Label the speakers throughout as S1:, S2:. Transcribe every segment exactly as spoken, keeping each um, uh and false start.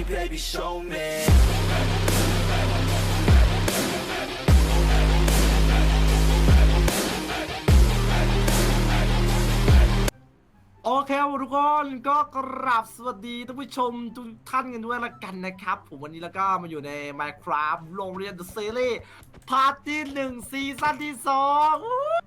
S1: baby show me
S2: โอเคครับทุกคนก็กราบสวัสดีท่านผู้ชมทุกท่านกันด้วยละกันนะครับผมวันนี้แล้วก็มาอยู่ใน Minecraft โรงเรียน The Series พาร์ทที่หนึ่งซีซั่นที่สอง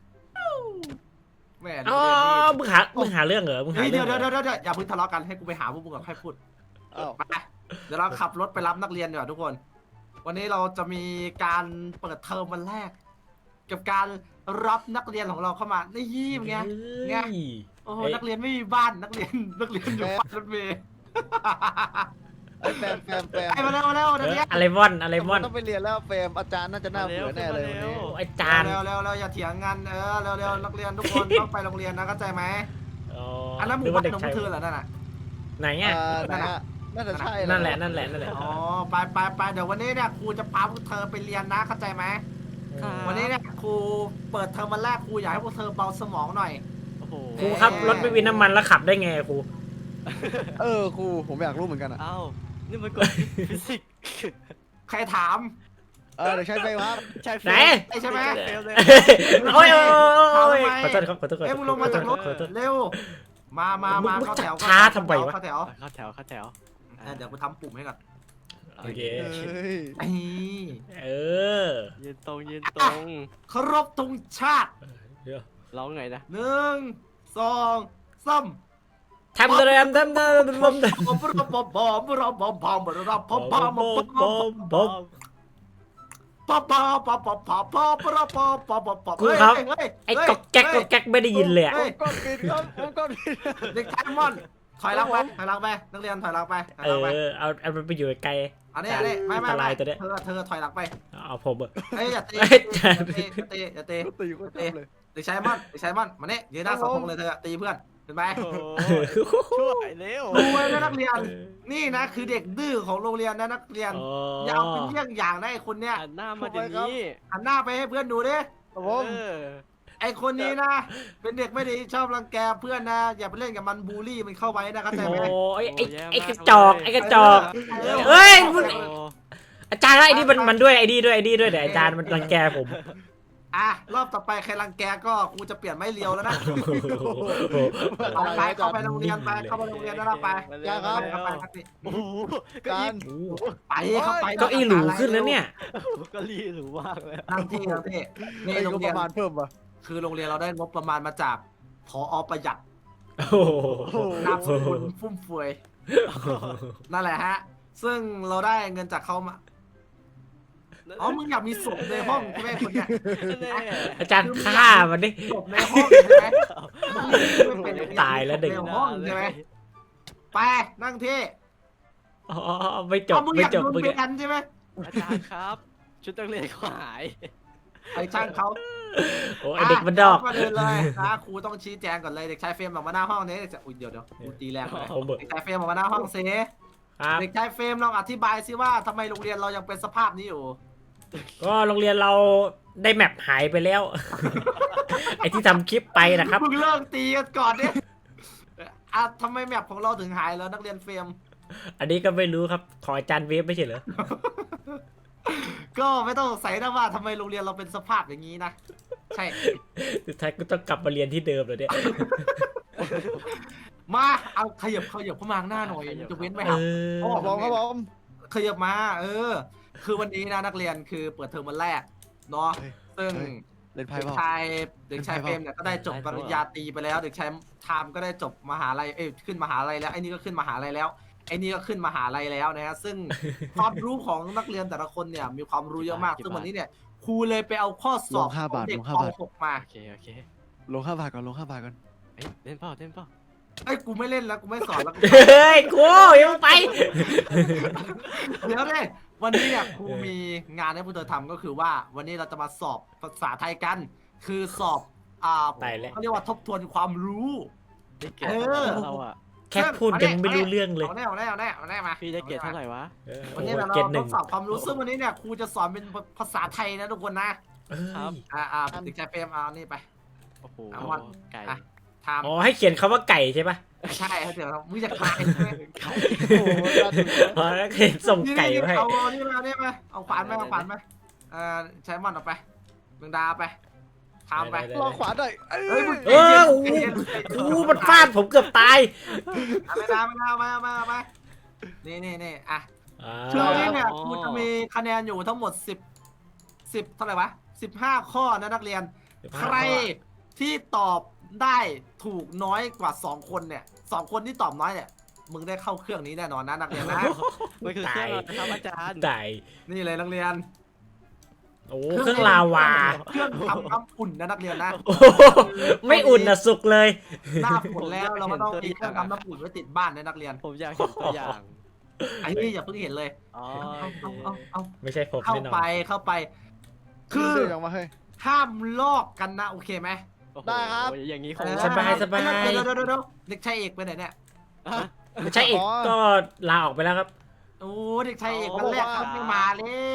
S2: แม่
S3: อ๋อมึงหามึงหาเรื่องเหรอมึงหา
S2: เดี๋
S3: เรื่
S2: ย
S3: อ
S2: ว
S3: ง
S2: เดี๋ยวเดี๋ยวอย่าเพิ่งทะเลาะกันให้กูไปหาพวกมึงก่อนค่อยพูดไปเดี๋ยวเราขับรถไปรับนักเรียนดีกว่าทุกคนวันนี้เราจะมีการเปิดเทอมวันแรกกับการรับนักเรียนของเราเข้ามาในยี่มไงไงโอ้โหนักเรียนไม่มีบ้านนักเรียนนักเรียนอยู่ป้ายรถเมล์
S4: ไอ้แฟมแฟมแฟม
S2: ไอ้มาเร็วมาเร็วนักเรียน
S3: อะไรมอนอะไรมอน
S4: ต้องไปเรียนแล้วแฟมอาจารย์น่าจะน่าเบื่อแน่เลยวันนี้
S3: ไอจาน
S2: เร็วเร็วเร็วอย่าเถียงกันเออเร็วเร็วนักเรียนทุกคนต้องไปโรงเรียนนะเข้าใจไหมอันนั้นหมู่บ้านของเธอเหรอนั่นน่ะ
S3: ไหนอ่ะ
S4: อ่าไหนอะน่าจะใช่
S3: นั่นแหละนั่นแหละนั่นแหละ
S2: อ๋อไปไปไปเดี๋ยววันนี้เนี่ยครูจะพาพวกเธอไปเรียนนะเข้าใจไหมวันนี้เนี่ยครูเปิดเทอมวันแรกครูอยากให้พวกเธอเบาสมองหน่อย
S3: ครูครับรถไม่มีน้ำมันแล้วขับได้ไงครู
S4: เออครูผมอยากรู้เหมือนกันอ่ะ
S5: อ้าวนี่มันกฎฟิสิกส์
S2: ใครถาม
S4: เออเดี๋ยวใช้ไฟครับ
S5: ใช่
S3: ไหน
S2: ไอ้ใช่ไหม
S5: เฟลเลย
S3: โอ้ยโอ้ยขอโทษครับขอโทษ
S2: เอ้ยมึงลงมาจากรถ
S3: ขอโทษ
S2: เร็วมามามา
S3: มึง
S2: เข้าแถว
S3: ช้าทำไมวะ
S2: เข้าแถว
S5: เข้าแถวเข้าแถว
S2: เออเดี๋ยวกูทำปุ่มให้ก่อน
S3: โอเค
S4: เฮ้ย
S2: ไอ้
S3: เออ
S5: ยืนตรงยืนตรง
S2: เคารพธงชาติ
S5: ร้องไงนะ
S2: หนึ่งสองสาม
S3: ทำอะไรทำทำทำทำทำ
S2: บอมบอมบอมบอมบอมบอมบอมบอมบอมบอมบอมบอมบอมบอม
S3: บอม
S2: ป๊อปป๊อปป๊อปป๊อปป๊อปป๊อปป๊อปป๊อปป๊อปป๊อปป๊อป
S3: ครูครับไอ้ก๊อกแก๊กก๊อกแก๊กไม่ได้ยินเลยอ่ะ
S4: ผมก็ปิดครับผมก็ปิด
S2: เด็กชายมอนถอยหลังไปถอยหลังไปนักเรียนถอยหลังไปถอย
S3: เอ
S2: หลังไป
S3: อเอาเอามันไปอยู่ไกล
S2: อันนี้อันนี้ไม่ไม่
S3: อันต
S2: ไม่
S3: รายตัวเนี้ย
S2: เธอเธอถอยหลังไป
S3: เอาผมอะ
S2: เอ้ยอย่าตี
S3: เอ้ย
S2: อย่าตีอย่าตีอย่าตี
S4: ก็ตีก็ชอบเลย
S2: เด็กชายมอนเด็กชายมอนมาเนี่ยยืนหน้าเสาธงเลยเธอตีเพื่อนเห็นไหม
S5: โอ้ช่วยเร็ว
S2: รู้ไว้นะนักเรียนนี่นะคือเด็กดื้อของโรงเรียนนะนักเรียนอย่าเอาเป็นเยี่ยงอย่างนะไอ้คนเนี้ย
S5: หันหน้ามาเดี๋ยวนี้
S2: หันหน้าไปให้เพื่อนดูดิ
S4: ครับผม
S5: เออ
S2: ไอคนนี้นะ เป็นเด็กไม่ดีชอบรังแกเพื่อนนะ อย่าไปเล่นกับมันบูลลี่มันเข้าไว้นะเข้าใจไหม
S3: โอ้ยไอ้ไอ้กระจอกไอ้กระจอก เฮ้ยมึง อาจารย์ไอ้นี่มันมันด้วยไอ้นี่ด้วยไอ้นี่ด้วยเดี๋ยวอาจารย์มันรังแกผม
S2: อ่ะรอบต่อไปใครรังแกก็กูจะเปลี่ยนไม่เลียวแล้วนะเอาไปเข้าไปโรงเรียนไปเข้าไปโรงเรียนแล้วไป
S4: จ้าครับ
S2: เข้าไปครับนี่
S5: โอ้โห
S4: อาจารย์
S2: ไปเข้าไป
S3: เก็อีหรูขึ้นแล้วเนี่ย
S5: ก็รีหรูมากเลย
S2: นั่งที่นั่งที่นี่
S4: ไอ้
S2: โร
S4: ก็
S2: ง
S4: ป
S2: เรียน
S4: ระมาณเพิ่มป่ะ
S2: คือโรงเรียนเราได้งบประมาณมาจากผอประหยัด
S3: โอ้โห
S2: นามสกุลฟุ่มเฟือยนั่นแหละฮะ ซึ่งเราได้เงินจากเขามาอ๋อมึงอยากมีศพในห้องใช่ไหมคนเนี้ย
S5: แน่
S3: อาจารย์ฆ่ามันดิ
S2: ศพในห้องใช่ไหม
S3: ตายแล้วเด็ก
S2: ในห้องใช่ไหมไปนั่งที่
S3: อ๋อไม่จบ
S2: เอามึงอ
S3: ไม่
S2: ยาก
S3: จบ
S2: โดน
S3: มึง
S2: เบียนใช่ไหม
S5: อาจารย์ครับ ชุดนักเรียนเขาหาย
S2: ไอ้ช่างเขา
S3: โอ้ไอเด็กมันดอก
S2: ก็เลยเลยนะครูต้องชี้แจงก่อนเลยเด็กชายเฟรมออกมาหน้าห้องนี้อุ้ยเดี๋ยวเดี๋ยวกูตีแรงเลย
S3: ผมเบิก
S2: เด็กชายเฟรมออกมาหน้าห้องซิ
S3: ครับ
S2: เด็กชายเฟรมลองอธิบายซิว่าทำไมโรงเรียนเรายังเป็นสภาพนี้อยู่
S3: ก็โรงเรียนเราได้แมปหายไปแล้ว ไอที่ทำคลิปไปนะครับ
S2: มึงเลิกตีกันก่อนดิอ่ะทำไมแมปของเราถึงหายแล้วนักเรียนเฟรม
S3: อันนี้ก็ไม่รู้ครับขออาจารย์เวฟไม่ใช่เหรอ
S2: ก็ไม่ต้องสงสัยนะว่าทำไมโรงเรียนเราเป็นสภาพอย่างนี้นะใช่
S3: สุดท้ายก็ต้องกลับมาเรียนที่เดิมเลยเนี่ย
S2: มาเอาขยับขยับเข้ามาข้างหน้าหน่อยมันจะเว้นไหม
S3: เอ
S2: ครับ
S3: อ
S4: ครับผมครับผม
S2: ขยับมา เออ คือวันนี้นะนักเรียนคือเปิดเทอมวันแรกเนาะซึ่ง
S4: เล่นไพ่
S2: เด็ก
S4: เปล่า
S2: ชายเด็กชายเฟรมเนี่ยก็ได้จบปริญญาตรีไปแล้ว เด็กชายไทม์ก็ได้จบมหาลัยเอ้ยขึ้นมหาลัยแล้วไอ้นี่ก็ขึ้นมหาลัยแล้วไอ้นี่ก็ขึ้นมหาลัยแล้วนะฮะซึ่ง ความรู้ของนักเรียนแต่ละคนเนี่ยมีความรู้เยอะมากซึ่งวันนี้เนี่ยครูเลยไปเอาข้อสอบของเด็กป .หก มา
S5: โอเคโอเค
S4: ลงห้าบาทก่อนลงห้าบาทก่อน
S5: เอ้ยเล่นเปล่าเล่นเปล่า
S2: ไอ้ยกูไม่เล่นแล้วกูไม่สอนแล้ว
S3: เฮ้ยกูยังไป
S2: เดี๋ยวเลยวันนี้เนี่ยครูมีงานให้พวกเธอทำก็คือว่าวันนี้เราจะมาสอบภาษาไทยกัน คือสอบอ่า
S3: ตายแล้ว
S2: เขาเรียกว่าทบทวนความรู้
S5: ได้เกรด
S2: เออ
S5: เราอะ
S3: แค่พูดยังไม่รู้เรื่องเลย
S2: เอาแน่เอาแน่เอาแน่เอาแน่มา
S5: พี่ได้เกรดเท่าไหร่วะ
S3: เออ
S2: วันนี้เรา
S3: เกรดห
S2: ท
S3: นึ่ง
S2: ดสอบความรู้ซึ่งวันนี้เนี่ยครูจะสอนเป็นภาษาไทยนะทุกคนนะ
S3: เอ้ย
S2: อ่าอ่าเด็กชายเฟรมเอานี่ไป
S5: โอ้โห
S2: เอาวัน
S5: ไก่
S2: อ่ะทำ
S3: อ๋อให้เขียนคำว่าไก่ใช่ปะ
S2: ใช่เดี๋ยวมึงจะขายใช่ไหม
S4: โอ้โหน่าดู
S3: อ๋อแล้วเขียนส่งไก่
S2: นี่
S3: มาให้
S2: เอาเอานี่มาเอานี่มาเอาขวานไหมเอาขวานไหมเอ่อใช้มอนออกไปมึงดาไปทำไป
S3: ได้
S4: ลองขวาหน่อยเอ้
S2: เฮ้ย
S4: ย
S2: มึง
S3: เออโอ้โหโอ้โหมันฟาดผมเกือบตาย
S2: เอาไม่ได้ไม่ได้เอามาเอามาเอามานี่นี่นี่อ่ะ
S3: อ่า
S2: ช่วงนี้เนี่ยกูจะมีคะแนนอยู่ทั้งหมดสิบสิบเท่าไหร่วะสิบห้าข้อนะนักเรียน ใครที่ตอบได้ถูกน้อยกว่าสองคนเนี่ยสองคนที่ตอบน้อยเนี่ยมึงได้เข้าเครื่องนี้แน่นอนนะนักเรียนนะ
S5: มันคือเครื่องเรานะครับอาจารย์
S3: ตาย
S2: นี่เลยนักเรียน
S3: โอ้เครื่องลาวา
S2: เครื่องทำน้ำอุ่นนะนักเรียนนะ
S3: โอ้โหไม่อุ่นนะสุกเลย
S2: หน้าฝนแล้วเราก็ต้องมีเครื่องทำน้ำอุ่นไว้ติดบ้านนะนักเรียน
S5: ผมอยากเห็นตัวอย่าง
S2: ไอ้นี่อย่าเพิ่งเห็นเลย
S5: อ๋อ
S2: เอาเอาเอาเอา
S3: ไม่ใช่ผม
S2: เข้า
S3: แน่นอน
S2: ไปเข้าไป คือ
S4: เดินออกมาเฮ้ย
S2: ห้ามลอกกันนะโอเคไหม
S5: โอ้โห
S4: ได้ครับ
S5: อย่างนี้คง
S2: เออ
S3: สบายสบาย
S2: เดี๋ยวเดี๋ยวเดี๋ยวเดี๋ยวเด็กชายเอกไปไหนเนี่ย
S5: ฮะ
S3: ไม่ใช่อีกก็ลาออกไปแล้วครับ
S2: โอ้เด็กชายเอก
S5: อ๋อ
S2: วันแรกเขาไม่มาแล้ว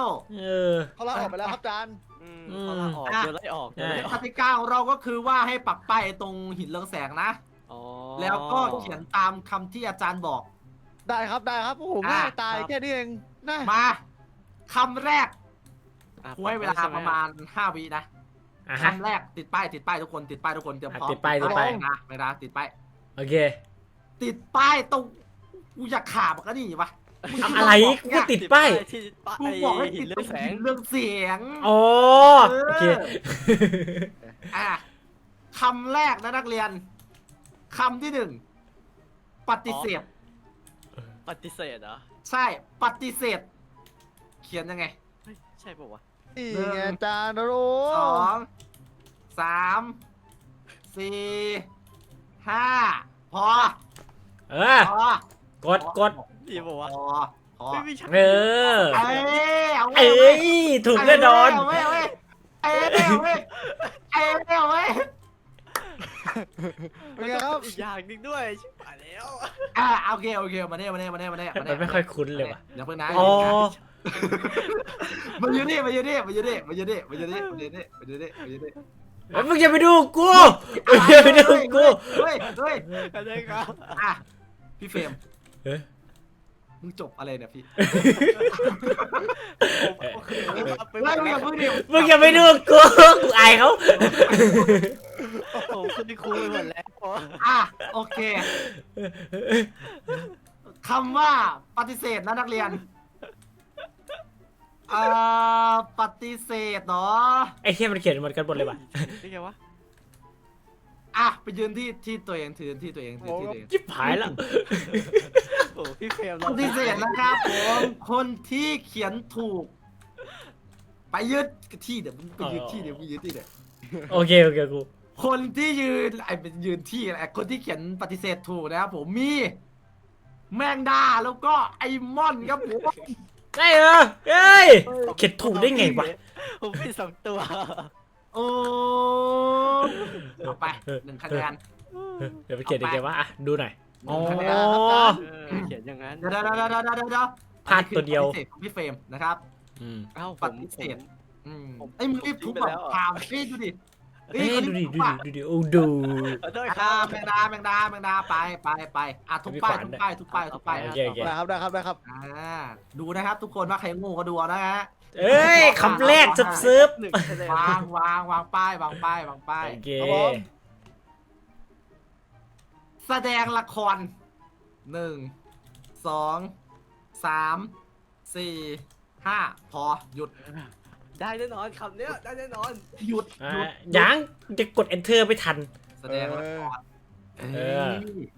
S3: เออ
S4: เขาลาออกไปแล้วครับอาจารย์
S5: อืม
S3: อืม
S5: เขาลาออก
S2: อ่ะ
S5: เดี๋ยวไล่ออกเดี๋ยวไล่อ
S2: ก
S5: อก
S2: ติกาของเราก็คือว่าให้ปักป้ายตรงหินเรืองแสงนะ
S5: อ๋อ
S2: แล้วก็เขียนตามคำที่อาจารย์บอก
S4: ได้ครับได้ครับโอ้โหง่ายตายแค่นี้เองนะ
S2: มาคำแรก
S5: อ่ะ
S2: กูให้เวลาประมาณห้าวินะ
S3: อ่ะฮะ
S2: คำแรกติดป้ายติดป้ายทุกคนติดป้ายทุกคนเตรียมพร้อม
S3: ติดป้ายติดป้าย
S2: นะไม่นะติดป้าย
S3: โอเค
S2: ติดป้ายตรงกูอยากขาบก็นี่วะ
S3: เอาอะไรกูก็ติดป้าย
S5: ที่ป้าย
S2: กูบอกให้
S5: หิ
S2: ติ
S5: น
S2: ด
S5: เรื่
S2: ต
S5: อ
S2: รง ง
S5: แสง
S2: หินเรื่องเสียง
S3: อ๋อโอเค
S2: อ่ะคำแรกนะนักเรียนคำที่หนึ่งปฏิเสธ
S5: ปฏิเสธเหรอ
S2: ใช่ปฏิเสธ เขียนยังไง
S5: เฮ้ยใช่ป่าวะ
S4: นี่ไงอาจารย์โอ้โห
S2: สองสามสี่ห้าพอ
S3: เออ
S2: พอก
S3: ดกด
S5: ดีป่าวะ
S2: พอพอ
S5: ไม่มีใช่
S3: เออ
S2: เอ้ยเอาไว้
S3: เอ้ยถูกแน่นอน
S2: เอาไว้เอาไว้เอาไว้เอาไว้เอาไว้เอาไว้
S4: เป็นไงครับ
S5: อีกอย่างหนึงด้วยชิบหายแล้ว
S2: อ่ะโอเคโอเคมาเนี่ยมาเนี่ยมาเนี่ยมาเนี่ย
S3: มันไม่ค่อยคุ้นเลยว่ะ
S2: เดี๋ยวเพิ่งนะ
S3: อ๋อ
S2: มาอยู่นี่มาอยู่นี่มาอยู่นี่มาอยู่นี่มาอยู่นี่มาอยู่นี่มาอยู่นี่มาอยู่นี่
S3: เฮ้ยมึงอย่าไปดูกูมึงอย่าไปดูกู
S2: เฮ้ยเฮ้ย
S5: อะไรครับ
S2: อ่ะพี่เฟรม
S3: เฮ้ย
S2: มึงจบอะไรเนี่ยพี่
S5: ผมคือครับไปหม
S2: เฮ้ย
S5: ด
S2: มึงอ
S5: แล้
S2: ย่าว เพิ่งดิ
S3: มึงอย่าไปดูกูกูอายเขา
S5: ผมคือครูไปหมดแล้ว
S2: อ่ะโอเคคำว่าปฏิเสธนะนักเรียนอ่าปฏิเสธเนาะ
S3: ไอ้เทียมันเขียนเหมือนกันหมดเลยว่ะ
S5: นี่ไงวะ
S2: อ่ะไปยืนที่ที่ตัวเองถือที่ตัวเองถือที่ตัวเอง
S3: จิบหายแล้ว
S5: โอ้พี่เฟรม
S2: ปฏิเสธนะครับผมคนที่เขียนถูก ไปยืนที่เดี๋ยวมึงไปยืนที่เดี๋ยวมึงยืนที่เดี๋ยว
S3: โอเคโอเคกู
S2: คนที่ยืนไอ้เป็นยืนที่อะไรคนที่เขียนปฏิเสธถูกนะครับผมมี แมงดาแล้วก็ไอมอนครับผม
S3: ได้เหรอเฮ้ยเขียนถูกได้ไงวะ
S5: ผมผิดสองตัว
S2: โอ้เอาไปหนึ่งคะแนน
S3: เดี๋ยวไปเขียนยังไงวะอ่ะดูหน่อย
S2: ห
S3: อ๋อ
S2: นึ่งคะแนน
S5: เออเขียนอย่างนั้น
S2: เดี๋ยวเดี๋ยวเดี๋ยวเดี๋ยวเดี๋ยวเดี๋ยว
S3: พลาดตัวเดียว
S2: ปฏิเสธของพี่เฟรมนะครับ
S3: อืม
S5: เอ้าผ
S2: ป
S5: ม
S2: ฏิเสธ
S5: ผม
S2: อืม
S5: ผม
S2: ไอ้ยมึงรีบทุบแบบ
S5: ผม
S2: ถามเฮ้ยดูดิ
S3: เฮ้ย
S2: คน
S3: ดู
S2: นี้
S3: ดิ
S2: ทุบ
S3: ดู
S2: อะ
S3: ดิดูดิโอ้ดู
S5: ขอโทษค
S2: อ่า
S5: รับ
S2: แมงดาแมงดาแมงดาไปไปไปอ่ะทุบป้ายทุบป้ายทุบป้ายทุบป้าย
S3: โอเคโอเค
S4: ได้ครับได้ครับได้ครับ
S2: อ่าดูนะครับทุกคนว่าใครโงูก็ดูเอานะฮะ
S3: เอ้ยคำแรกซึบซึบ
S5: หนึ่งคะแนน
S2: วางวางวางป้ายวางป้ายวางป้าย
S3: โอเค
S4: ครับผม
S2: แสดงละครหนึ่งสองสามสี่ห้าพอหยุด
S5: ได้แน่นอนคำเนี้ยได้แน่นอน
S2: หยุด
S3: อ่ะ
S2: หยุด
S3: ยังจะกด enter ไม่ทัน
S2: แสดงละคร
S3: เออ
S2: เอ้ย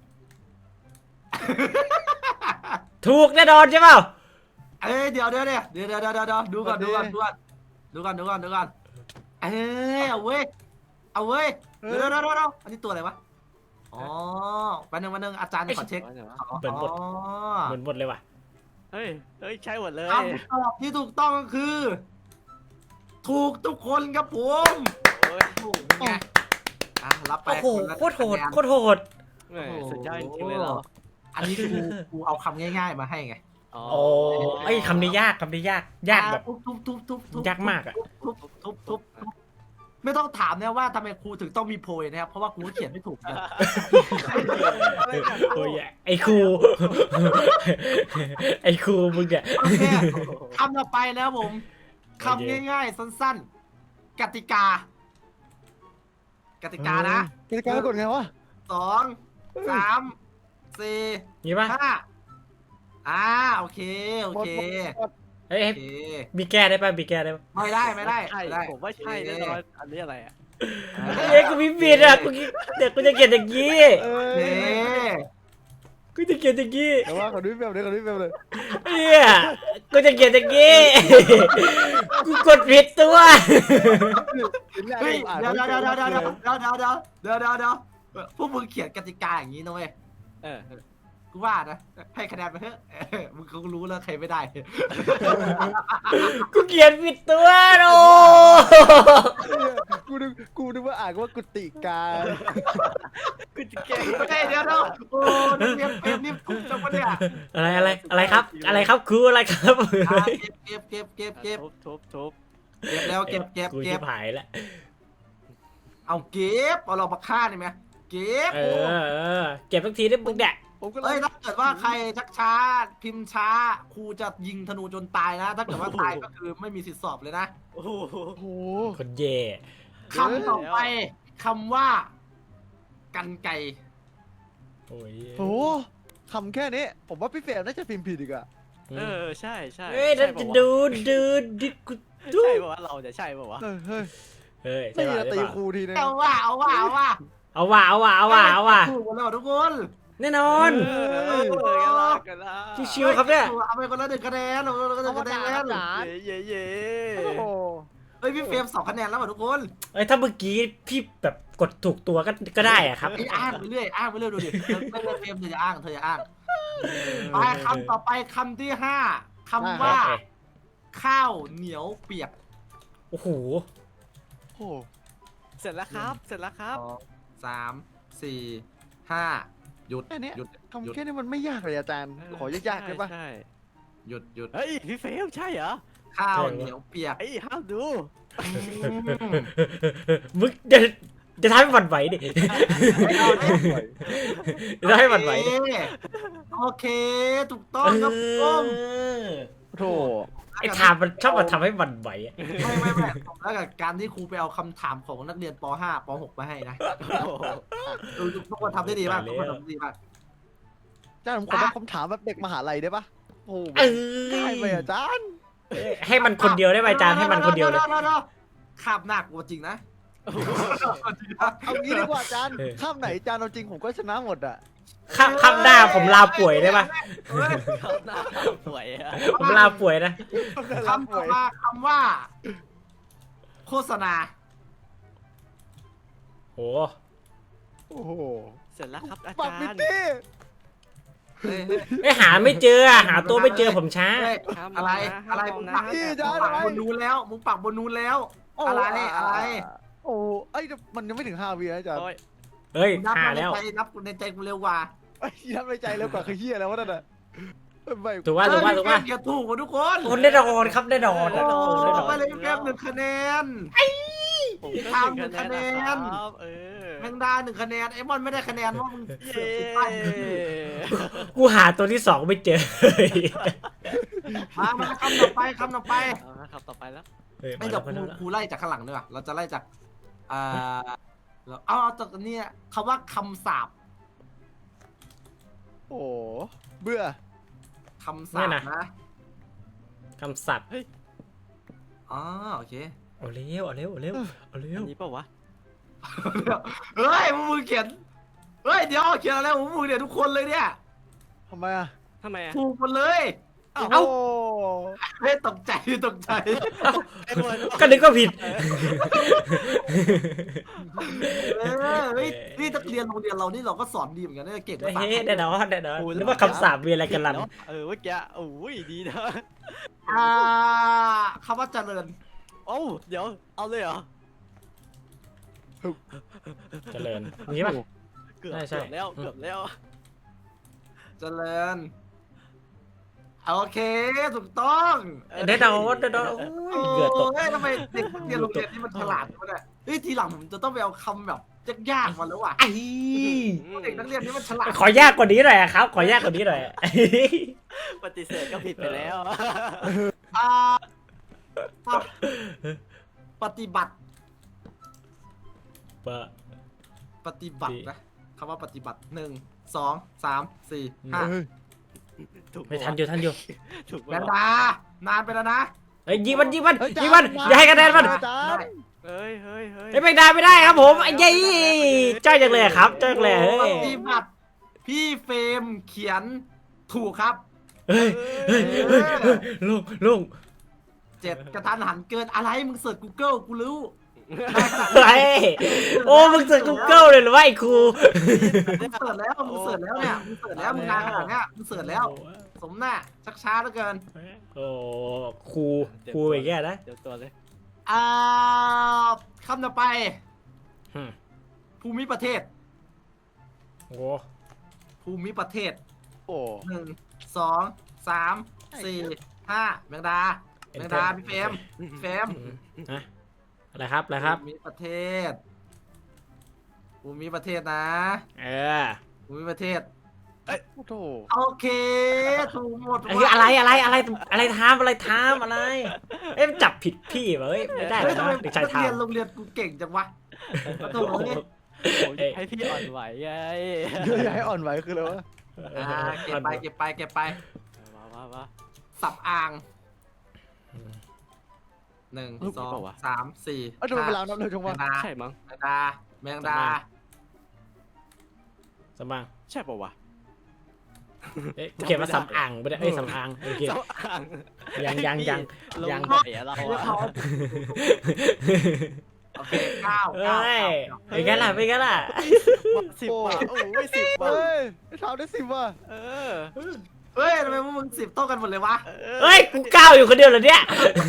S3: ถูกแน่นอนใช่เปล่า
S2: เอ้ยเดี๋ยวเดี๋ยวเดี๋ยวเดี๋ยวเดี๋ยวเดี๋ยวเดี๋ยวดูก่อนดูก่อนดูก่อนดูก่อนดูก่อนดูก่อนเอ้ยเอาเว้ยเอาเว้ยเดี๋ยวเดี๋ยวเดี๋ยวเดี๋ยวอันนี้ตัวอะไรวะอ๋อวันหนึ่งวันหนึ่งอาจารย์ขอเช็ค
S3: เหมือนหมด
S2: อ๋อ
S3: เหมือนหมดเลยว่ะ
S5: เฮ้ยเฮ้ยใช่หมดเลย
S2: คำตอบที่ถูกต้องก็คือ ถูกทุกคนครับผม
S5: โอ้ย
S2: ถูกไงอ่ะรับไป
S3: โอ้โห
S2: นละ
S3: โคตรโหด
S2: คะแนน
S3: โคตรโหด
S5: แหม่สุดยอดจริงๆเลยเหรอ
S2: อันนี้กูกูเอาคำง่าย ๆมาให้ไง
S5: อ๋อ
S3: โอ้ไอ้ยคำนี้ยากคำนี้ยากยากแบบ
S2: ทุบทุบทุบทุบทุบ
S3: ยากมากอะ
S2: ทุบทุบทุบทุบไม่ต้องถามนะว่าทำไมครูถึงต้องมีโพยนะครับเพราะว่าครูเขียนไม่ถูกนะ
S3: โอ้ยไอ้ครู ไอ้ครูมึงเนี่ย
S2: โอเคคำต่อไปแล้วผมคำง่ายๆสั้นๆ กติกา กติกานะ
S4: กติกากดไงวะ
S2: สองสามสี่
S3: งี้ป่ะ
S2: ห้าอ่าโอเคโอเค
S3: เฮ้ย
S2: โอ
S3: เฮ้ย
S2: เค
S3: มีแก้ได้ป่ะมีแก้ได้ป่ะ
S2: ไม่ได้ไม่ได้
S5: ใช่
S2: ไม่ได้
S5: ผมว่าใช่แน่นอนอันนี้อะไรอ่ะ
S3: เฮ้ยกูมีบิดอ่ะกูเดี๋ยวกูจะเขียนอย่างงี้
S4: เอ
S2: โอ
S4: อ
S2: เค
S3: กูจะเขียนอย่างงี้
S4: แต่ว่าขอดูแบบเลยขอดูแบบเลย
S3: เฮียกูจะเขียนอย่างงี้ กูกดผิดตัว
S2: เฮ้ยเดี๋ยวเดี๋ยวเดี๋ยวเดี๋ยวเดี๋ยวเดี๋ยวเดี๋ยวเดี๋ยวเดี๋ยวเดี๋ยวเดี๋ยวเดี๋ยวพวกมึงเขียนกติกาอย่างนี้นะเว้ย
S5: เออ
S2: กูว่านะให้คะแนนไปเถอะเออมึงคงรู้แล้วใครไม่ได้
S3: กูเขียนผิดตัวโอ้
S4: กูนึกกูนึกว่าอ่านว่ากุฏิกา
S5: กูจะแก้
S2: โอเคเดี๋ยวเดี๋ยวโอ้นักเรียนเกมนี่ถูกจังวะเนี่ย
S3: อะไรอะไรอะไรครับ อะไรครับครูอะไรครับ
S2: อ่ะเก็บเก็บเก็บเก็บเก็บ
S5: ทุบทุบทุบ
S2: เก็บแล้วเก็บเก็บ
S3: กู
S2: เก็
S3: จะ
S2: บ
S3: หายแล้ว
S2: เอาเก็บเอาเรามาฆ่าได้ไหมเก็บ
S3: เออเออเก็บสักทีได้มึงเนี่ย
S4: ผมก็เล
S2: เอ้ย
S4: ย
S2: ถ้าเกิดว่าใครชักช้าพิมพ์ช้าครูจะยิงธนูจนตายนะ ถ้าเกิดว่าตายก็คือไม่มีสิทธิสอบเลยนะ
S5: โอ้โห
S4: โอ้โห
S3: คนเย่
S2: คำต่อไปคำว่า กันไก่
S3: โอ้ย
S4: โอ้โหคำแค่นี้ ผมว่าพี่เฟรมน่าจะพิมพ์ผิดอีกอะ
S5: เออใช่ใช่
S3: เฮ้ยนั่นจะดูดูดิกูดู
S5: ใช่ป่าวะเราจะใช่ป่าวะ
S4: เออเฮ้ย
S3: เฮ้ย
S4: ไม่
S3: ใช่
S4: มี
S3: ป่ะ
S4: จะตี
S3: ใช่
S4: ครู
S3: ป่ะ
S4: ทีนึง
S2: เอาว่าเอาว่าเอาว่า
S3: เอาว่ะเอาว่ะเอาว่ะเอาว่ะ
S2: ถูกหมดแล้วทุกคน
S3: แน่นอน
S5: เออกันละกันละ
S3: ชิวๆครับเนี่ย
S2: เอาไปคนละหนึ่งคะแนนเอาไปคนละหนึ่งคะแนน
S4: จ๋า
S5: เย่เย่
S4: โอ้โห
S2: เฮ้ยพี่เฟรมสองคะแนนแล้วว่ะทุกคน
S3: เอ้ยถ้าเมื่อกี้พี่แบบกดถูกตัวก็ก็ได้อะครับ
S2: ไอ้อ้างไปเรื่อยอ้างไปเรื่อยดูดิเธอไม่เลิกเฟรมเธอจะอ้างเธอจะอ้างไปคำต่อไปคำที่ห้าคำว่า ข้าวเหนียวเปียก
S3: โอ้โห
S4: โอ้โห
S5: เสร็จแล้วครับ เสร็จแล้วครับ
S2: สองสามสี่ห้าหยุด
S4: แค่เนี้ย
S2: หยุดห
S4: คำ
S2: ยุด
S4: แค่นี้มันไม่ยากเลยอาจารย์ ขอยากๆได้ปะ
S5: ใช่
S2: หยุดหยุด
S5: เฮ้ยพี่เฟลใช่เหรอ
S2: ข้าวเหนียวเปียก
S5: ไอ้ห้ามดู
S3: มึงจะจะทำให้หวั่นไหวดิจะทำให้หวั่นไหวดิ
S2: โอเคถูกต้องครับผม
S4: โถ
S3: ไอ้ถามมันชอบมาทำให้หวั่นไหวอะ
S2: ไม่ไม่ไม่แล้วกับการที่ครูไปเอาคำถามของนักเรียนป .ห้า ป .หก มาให้นะ
S5: โอ้โห
S2: ดูทุกคนทำได้ดีมากทุกคนทำได้ดีมาก
S4: อาจารย์ผมขอแบบคำถามแบบเด็กมหาลัยได้ปะโอ้โห
S3: เอ
S4: ได้ไหม
S3: อ
S4: อาจารย์
S3: ให้มันคนเดียวได้ไหมอาจารย์ให้มันคนเดียวเลย
S2: ขับหนักกว่าจริงนะ
S4: เอางี้ดีกว่าอาจารย์ข้ามไหนอาจารย์เอาจริงผมก็ชนะหมดอ่ะ
S3: ข้ามข้ามหน้าผมลาป่วยได้ปะ
S2: เฮ้ย
S5: เขาหน้าสวยอะ
S3: ผมลาป่วยนะ
S2: คำต่อมาคำว่า โฆษณา
S3: โอ้
S4: โอ้โห
S5: เสร็จแล้วครับอา
S4: ปัก
S5: จาร
S4: มิ
S5: ย์
S4: ตี้
S2: เฮ้ยเฮ้ย
S3: ไม่หาไม่เจออะหาตัวไม่เจอผมช้า
S2: เฮ้ย
S5: ห้ามม
S2: อะ
S5: ง
S2: ไร
S5: น
S2: อะไร
S5: ห้าม
S2: มึ
S5: ม
S2: ง
S5: ง
S2: ปัก
S5: นะ
S2: มึงปักบนนู้นแล้วมึงปักบนนู้นแล้ว อะไรอะไร
S4: โอ้ไอ้ยมันยังไม่ถึงห้าวินะอาจารย์
S5: โอ้ย
S3: เฮ้ย
S2: นับ
S3: หา
S2: ใน
S3: แล้ว
S2: ใจนับในใจกูเร็วกว่า
S4: ไอ้ยนับในใจแล้วกว่าคือเฮียแล้ววะนั่นน่ะไม่
S3: ถูกว่าถูกว่าถูกว่า
S2: เอย่าถูกกว่าทุกคน
S3: คนแน่นอนครับแน่นอน
S2: โอ้
S3: แน่นอนแน่นอน
S2: ไปเลยแป๊บหนึ่งคะแนน
S5: ผมก็
S2: ทำหนึ่งคะแนน
S5: รับเออ
S2: แมงดาหนึ่งคะแนนไอ้บอลไม่ได้คะแนนว่ามึง
S5: เย้
S2: ผิดพลาด
S3: กูหาตัวที่สองไม่เจอ
S2: มามาคำต่อไปคำต่อไป
S5: เอาละครับต่อไปแล้ว
S3: เฮ้ย
S2: ไม่
S3: มา
S2: เดี๋
S3: แล้
S2: ยว ว
S3: มา
S2: ครู
S3: แล้ว
S2: ครูไล่จากข้างหลังด้วยเราจะไล่จากอ่าเราเอาเอาจากนี้คำว่าคำสาป
S4: โอ้เบื่อ
S2: คำสาปนะ
S3: คำสัตว์
S2: อ๋อโอเค
S3: เอาเร็วเอาเร็วเอาเร็วเอาเร็
S5: อั
S3: วน
S5: นี้เปล่าวะ
S2: เฮ้ยมึงเขียนเฮ้ยเดี๋ยวเขียนอะไรของมึงเนี่ยทุกคนเลยเนี่ย
S4: ทำไมอ่ะ
S5: ทำไมอะ
S2: ถูกหมดเลย
S4: เอ้า
S2: เฮ้ยตกใจตกใจ
S5: ไอ้บอล
S3: ก็นึกว่าผิด
S2: เออเฮ้ยนี่นักเรียนโรงเรียนเรานี่เราก็สอนดีเหมือนกันนะเก่งภาษา
S3: เฮ้ยแน่นอนแน่นอนนึกว่าคำสาปมีอะไรกันลัน
S5: เออเมื่อกี้โอ้ยดีนะ
S2: อ่าคำว่าเจริญ
S5: โอ้าเดี๋ยวเอาเลยเหรอ
S3: เจริญงี้ป่ะ
S5: เกือบ
S3: ใช่ใช่
S5: เกือบแล้วเกือบแล้ว
S2: เจริญโอเคถูกต้อง
S3: เด็ดเอาเด็ดเอาเหงื่อตก
S2: โอ้ยทำไมเด็กเรียนโรงเรียนนี่มันฉลาดวะเนี่ยเฮ้ยทีหลังผมจะต้องไปเอาคำแบบยากๆมาแล้วว่ะ
S3: ไอ้
S2: เด็กนักเรียนนี่มันฉลาด
S3: ขอยากกว่านี้หน่อยครับ ขอยากกว่านี้หน่อย
S5: ปฏิเสธก็ผิดไปแล้ว
S2: อ่าปฏิบัติ
S3: ปะ
S2: ปฏิบัตินะคำว่าปฏิบัติหนึ่งสองสามสี่ห้า
S4: เฮ้ย
S5: ถูก
S3: ไม่ทันอยู่ทันอยู่
S5: ถูก
S2: แมนดานานไปแล้วนะ
S3: เอ้ยยิงมันยิงมัน
S4: เฮ้ย
S3: ยิงมันอย่าให้คะแนนมัน
S4: อาจารย์
S5: เฮ้ยเฮ้ยเฮ้ย
S3: ไอ้ไม่ได้ไม่ได้ครับผมไอ้ยี่จ้อยจังเลยครับจ้อยจังเลยเฮ้
S2: ป
S3: ย
S2: ฏิบัติพี่เฟรมเขียนถูกครับ
S3: เฮ้ยเฮ้ยเฮ้ยเฮ้ยลุงลุง
S2: เจ็ดกระทันหันเกินอะไรมึงเสิร์ช Google กูรู้
S3: อะไรโอ้มึงเสิร์ช Google เลยหรือว่าไอ้ครู
S2: มึงเสิร์ชแล้วมึงเสิร์ชแล้วเนี่ยมึงเสิร์ชแล้วมึงนานขนาดเนี้ยมึงเสิร์ชแล้ว สมหน้าชักช้าเหลือเกิน
S3: โอ้ครูครูอย่างเงี้ยนะ
S5: เดี๋ยวตัวเลย
S2: อ่าคำต่อไป
S3: อืม
S2: ภูมิประเทศ
S3: โอ้
S2: ภูมิประเทศ
S4: โอ้
S2: หนึ่งสองสามสี่ห้าแมงดาแมงดาพี่เฟรมพี่เฟรม
S3: ฮะอะไรครับอะไรครับ
S2: ภูมิประเทศภูมิประเทศนะ
S3: เออ
S2: ภูมิประเทศ
S4: โอ้โห
S2: โอเคถูกหมด
S3: ไอ้อะไรอะไรอะไรอะไรทามอะไรทามอะไรเอ๊ะจับผิดพี่เหรอเฮ้ยไม่ได้
S2: เฮ้ย
S3: นะ
S2: ทำไม
S3: เด็กชายทา
S2: เรีย
S3: ม
S2: นโรงเรียนกูเก่งจังวะโอ้โห
S5: ผมให้พี่อ่อนไหวไง
S4: เยอะแยะอ่อนไหวคืออะไรวะ
S2: อ่าเก็บไปเก็บไปเก็บไป
S5: มามามา
S2: สับอ่างหนึ่ง
S5: รูป
S2: ส
S5: นี้
S2: อง
S5: เปล่าวะ
S2: สามสี่
S4: เอ้าทำไมเวลานับเร็วจัง
S2: แม
S4: วะ
S2: งดา
S5: ใช่มั้ง
S2: แมงดาแมงดา
S3: สำอาง
S5: ใช่ป่าวะ
S3: เอ๊ะเขียนว่าสำอางไม่ได้เอ้ยสำอางโอเค
S5: เจ้าอ่าง
S3: ยังยังยัง
S5: ล
S3: ยัง
S5: งเสียเรา
S2: เรียก
S5: อะ
S2: เขาโอเคเก้า
S3: เอ้
S2: เก้าย
S3: เป็นไงล่ะเป็นไงล่ะ
S5: สิบว่ะโอ้ยสิบว่ะ
S4: เฮ้ยไอ้เท้าได้สิบว่ะ
S5: เออ
S2: เฮ้ยทำไมพวกมึงสิบโต้กันหมดเลยวะ
S3: เฮ้ยกูก้าวอยู่คนเดียวเหรอเนี่ย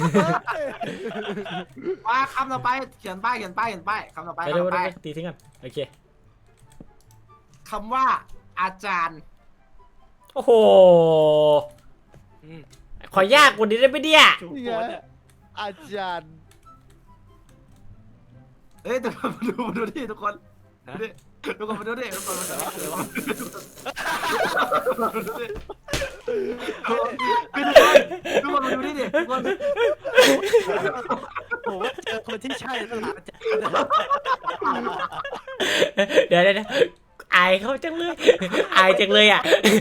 S2: ว่าคำต่อไปเขียนป้ายเขียนป้ายเขียนป้ายคำต่อไป
S3: ไป
S2: คำ
S3: เร็ว
S2: ต่อไป
S3: ๆตีทิ้งกันโอเค
S2: คำว่าอาจารย์
S3: โอ้โหขอยากกว่านี้ได้ไหมเนี่ย
S5: ถูก
S4: นี่
S5: โพ
S4: ไง
S5: สต์อะ
S4: อาจารย์
S2: เฮ้ยทุกคนมาดูมาดูดิทุกคนดูดิทุกคนมาดูดิทุกคนมาดูดิทุกคนมาดูดิดิทุกคน
S5: ผมว่าเจอคนที่ใช่แล้วล่ะอาจารย์
S3: เดี๋ยวเดี๋ยวเดี๋ยวอายเขาจังเลยอายจังเลยอ่ะ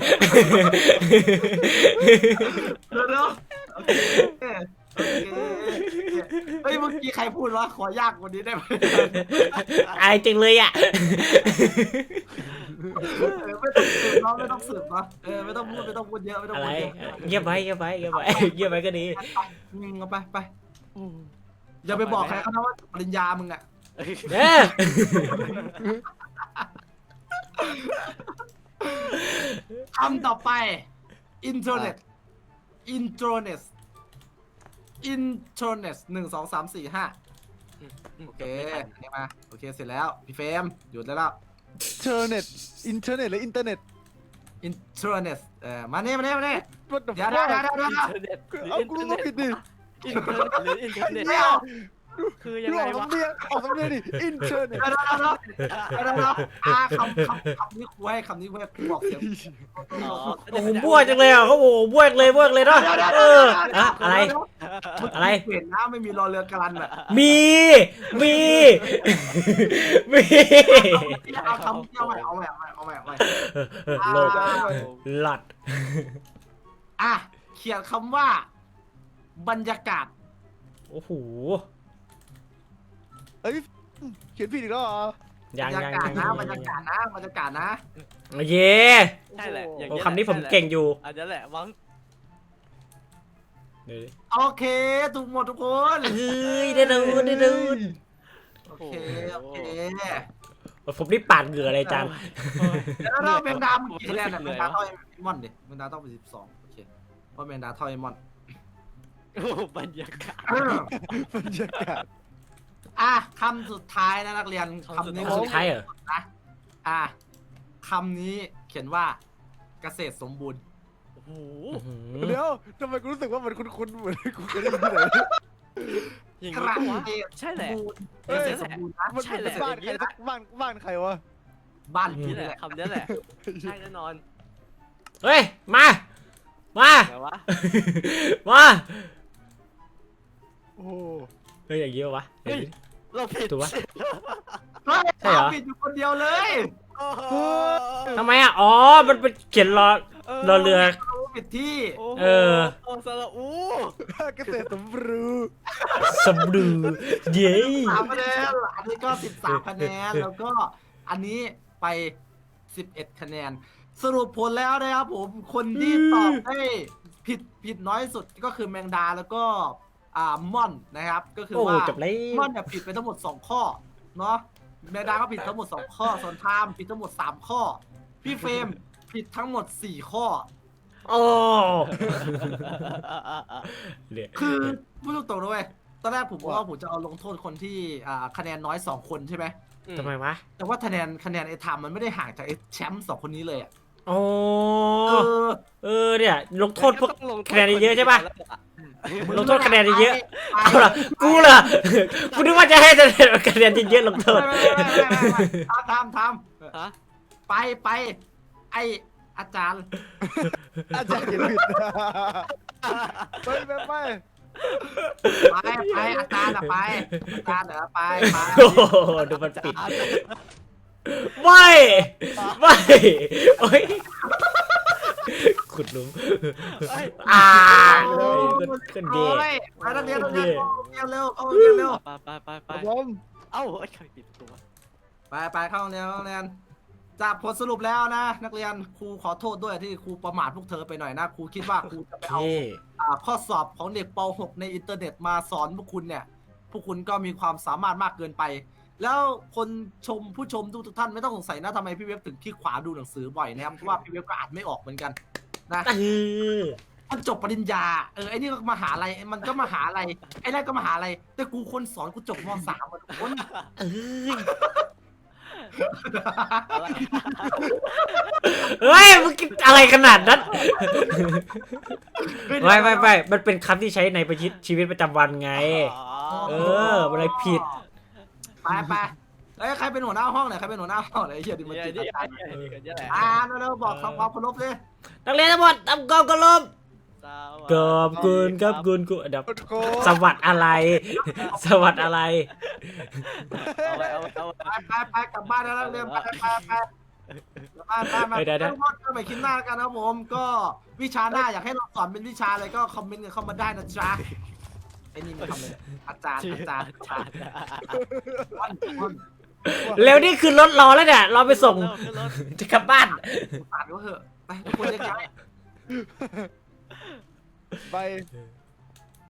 S2: เดี๋ยวเดี๋ยวโอเคโอเคเฮ้ยเมื่อกี้ใครพูดว่าขอยากกว่านี้ได้ไหม
S3: อายจังเลยอ่ะ
S2: ไม่ต้องสืบเนาะไม่ต้องสืบเนาะเออไม่ต้องพูดไม่ต้องพูดเยอะไม่ต้อง
S3: อะไร
S2: พูดเยอะ
S3: เงียบไว้เงียบไว้เงียบไว้เงียบไว้ก็ดี
S2: มึงเอาไปไปอย่าไปบอกใครเขานะว่าปริญญามึงอะ
S3: เด้อ
S2: คำต่อไปอินเทอร์เน็ตอินเทอร์เน็ตอินเทอร์เน็ตหนึ่งสองสามสี่ห้าโอเคนี่มาโอเคเสร็จแล้วพี่เฟรมหยุดได้แล้ว
S4: เทอร์เน็ตอินเทอร์เน็ตหรืออินเทอร์เน็ต
S2: อินเทอร์เน็ตเออมาเนี่ยมาเนี่ยมาเนี่ย
S4: What the
S2: เดี๋ยวเดี๋ยว
S4: fuck
S2: เดี๋ยวเดี๋ยว
S5: อิน
S2: เดี๋ยว
S5: เทอร์เน็ตหรือ
S4: เอา
S5: อิน
S4: กู
S5: เทอ
S4: รู้
S5: ร์เน็ต
S4: ผิดดิ
S5: อินเทอร์เน็ตหรืออินเทอร์เน็ต
S2: เดี๋ยว
S5: คือยั
S4: พี่
S5: ง
S4: อ
S5: ไง
S4: อก
S5: วะ
S4: สำเนียงออกสำเนียงดิอินเทอร์เน็ต
S2: เดี๋ยวเดี๋ยวเดี๋ยวเดี๋ยวเดี๋ยวเดี๋ยวอ่าคำคำคำนี้ครูให้คำนี้ครูให้ครูบอกเสียง
S5: อ๋อ
S3: โอ้โหบ้วจังเลยอ่ะเขาโอ้โหบ้วเลยบ้วเลยเนาะเอออะอะไร อะไร
S2: เห็นนะไม่มีรอเรือการันแบบ
S3: มีมีมี
S2: เอาคำเอาใหม่เอาใหม่เอาใหม่เอาใหม่
S3: โลกหลอด
S2: อ่ะเขียนคำว่า บรรยากาศ
S3: โอ้โห
S4: เอ้ยเขียนผิดอีกแล้วเหรอ
S2: บ
S3: ยั
S2: รง ร
S3: ยัง
S2: ยากาศ
S3: ยัง
S2: นะบรรยากาศนะบรรยากาศนะ
S3: เย่
S5: ใช่แหละอย่าง
S3: โอ้
S5: เงี้ย
S3: คำนี้ผมเก่งอยู่
S5: อันนี้แหละมั้ง
S3: เดี๋ยว
S2: โอเคถูกหมดทุกคน
S3: เฮ้ยได้ดูได้ดู
S2: โอเคโอเค
S3: ผมนี่ปาดเหงื่ออะไรจาน
S2: แล้วเราแมงดามึงกี่คะแนนเนี่ยแมงดาเท่าไอ้มอนดิแมงดาต้องเป็นสิบสองโอเคเพราะแมงดาเท่าไอ้มอน
S5: โอ้บรรยากาศ
S4: บรรยากาศ
S2: อ่ะคำสุดท้ายนะนักเรียนคำนี้
S3: คำสุดท้ายเหรอ
S2: นะอ่ะคำนี้เขียนว่าเกษตรสมบูรณ์
S5: โอ้โห
S4: เดี๋ยวทำไมกูรู้สึกว่ามันคุ้นๆเหมือนกูเคยได้ยินที่ไหน
S5: อย่าง
S2: ค
S5: นี้
S2: รั้ง
S5: ปะวะ
S2: เดียว
S5: ใช่แหละ
S2: เกษตรสมบูรณ์นะ
S4: มัน
S5: ใช่แห
S4: เป็
S5: ละ
S4: นบ้านใครสักบ้านบ้านใครวะ
S2: บ้าน
S5: นี่
S2: พี่
S5: แห
S2: นี่
S5: ละ
S2: แหละ
S5: คำนี้แหละใช่แน่นอน
S3: เฮ้ยมามา
S5: แต่ว่า
S3: มา
S4: โอ้โห
S3: เฮ้ยอย่างงี้วะ
S5: เฮ้ยเราผิด
S3: ถูกปะ
S2: เฮ้ย
S3: ใช่เหรอ
S2: ปิดอยู่คนเดียวเลย
S5: โอ้โห
S3: ทำไมอ่ะอ๋อมันเป็นเขียนรอรอเรือ
S2: รู้ผิดที่
S5: โอ้โห
S3: เออ
S5: โอ้สระอู
S4: เกษตรสมบูรณ์
S3: สมดูเย้
S2: สามคะแนนอันนี้ก็สิบสามคะแนนแล้วก็อันนี้ไปสิบเอ็ดคะแนน สรุปผลแล้วนะครับผมคนที่ตอบได้ผิดผิดน้อยสุดก็คือแมงดาแล้วก็อ่าม่อนนะครับก็คือ
S3: โอ้
S2: ว่า
S3: จบแล้ว
S2: ม่อนเนี่ยผิดไปทั้งหมดสองข้อเนาะแมงดาก็ผิดทั้งหมดสองข้อส่วนไทม์ผิดทั้งหมดสามข้อพี่เฟรมผิดทั้งหมดสี่ข้อ
S3: โอ้เดี๋ยว
S2: คือพูดตรงๆด้วยตอนแรกผมว่าผมจะเอาลงโทษคนที่อ่าคะแนนน้อยสองคนใช่ไหม
S3: ทำไมวะ
S2: แต่ว่าคะแนนคะแนนไอ้ไทม์มันไม่ได้ห่างจากไอ้แชมป์สองคนนี้เลยอ่ะ
S3: โอ้
S2: เออ
S3: เออเนี่ยลงโทษพวก
S5: ต้องลงโทษ
S3: คะแนนเยอะใช่ปะ ลงโทษคะแนนเยอะ
S2: ไป
S3: เอาล่ะกูเหรอกูนึกว่าจะให้คะแนนเยอะๆลงโทษ
S2: ไม่ไม่ไม่ไม่ไม่ไม่ทำทำ
S5: ฮะ
S2: ไปไปไออาจารย์
S4: อาจารย์เขียนผิดไปไปไป
S2: ไปไปอาจารย์อะไปอาจารย์เหรอไปไป
S3: โอ้โหดูมันปิดไม่ไม่โอ้ยขุดหลุม
S5: เอ้ย
S3: อ่า
S2: โอ้
S3: ขึ้น
S2: โห
S3: เย่
S2: ไปนักเรียนนักเรียนเข้าโรงเรียนเร็วเข้าโรงเรียนเร็ว
S5: ไปไปไปไป
S4: ผม
S5: เอ้าไอ้ใครปิดตัว
S2: ไปไปเข้าโรงเรียนเข้าโรงเรียนจากผลสรุปแล้วนะ นักเรียนครูขอโทษด้วยที่ครูประมาทพวกเธอไปหน่อยนะครูคิดว่าครูจะไปเอา
S3: เย่
S2: อ่าข้อสอบของเด็กป หก ในอินเทอร์เน็ตมาสอนพวกคุณเนี่ย พวกคุณก็มีความสามารถมากเกินไป แล้วคนชมผู้ชมทุกท่านไม่ต้องสงสัยนะทำไมพี่เว็บถึงขี้ขวาดูหนังสือบ่อยนะครับ เพราะว่าพี่เว็บก็อ่านไม่ออกเหมือนกันนะ
S3: เออ
S2: มันจบปริญญา เออไอ้นี่ก็มหาลัยมันก็มหาลัยไอ้นั่นก็มหาลัยแต่กูคนสอนกูจบมสามอ่ะทุกคน
S3: เอ้ย
S5: อะไร
S3: เฮ้ยมึงคิดอะไรขนาดนั้นไม่ไม่ไม่มันเป็นคำที่ใช้ในประชิดชีวิตประจำวันไง เอออะไรผิด
S2: ไปไปเอ้ยใครเป็นหัวหน้าห้องเนี่ยใครเป็นหัวหน้าห้องเนี่ยไอ้เหี้ยดิมัน
S5: เนี่ย
S2: จิต
S5: นี่
S2: อาจารย์
S5: ไอ้นี่กันเนี่ยแหละ
S2: อ่าเร็วๆบอกคำความเคารพเลย
S3: นักเรียนทั้งหมดทำกองกระลมกอบคุณครับคุณกูเดี๋ยว
S4: โก
S3: สวัสดอะไร สวัสดอะไร
S5: เอาไว้เอาไว้เอาไว้
S2: ไปไปไปกลับบ้านแล้วนักเรียนไปไปไปกลับบ้านไปไป
S3: เดี๋ยวเดี๋ยว
S2: ทุกคนก็ไปคิดหน้ากันนะครับผมก็วิชาหน้าอยากให้เราสอนเป็นวิชาอะไรก็คอมเมนต์กันเข้ามาได้นะจ๊ะไอ้นี่มันทำอะไรเนี่ยอาจารย์อาจารย์อาจารย์วันวัน
S3: เร็วนี่คือรถรอแล้วเนี่ย เราไปส่ง
S5: ขึ้นรถ
S3: จะกลับบ้าน
S2: อ่านก็เถอะไปทุกคนจะย้าย
S4: ไป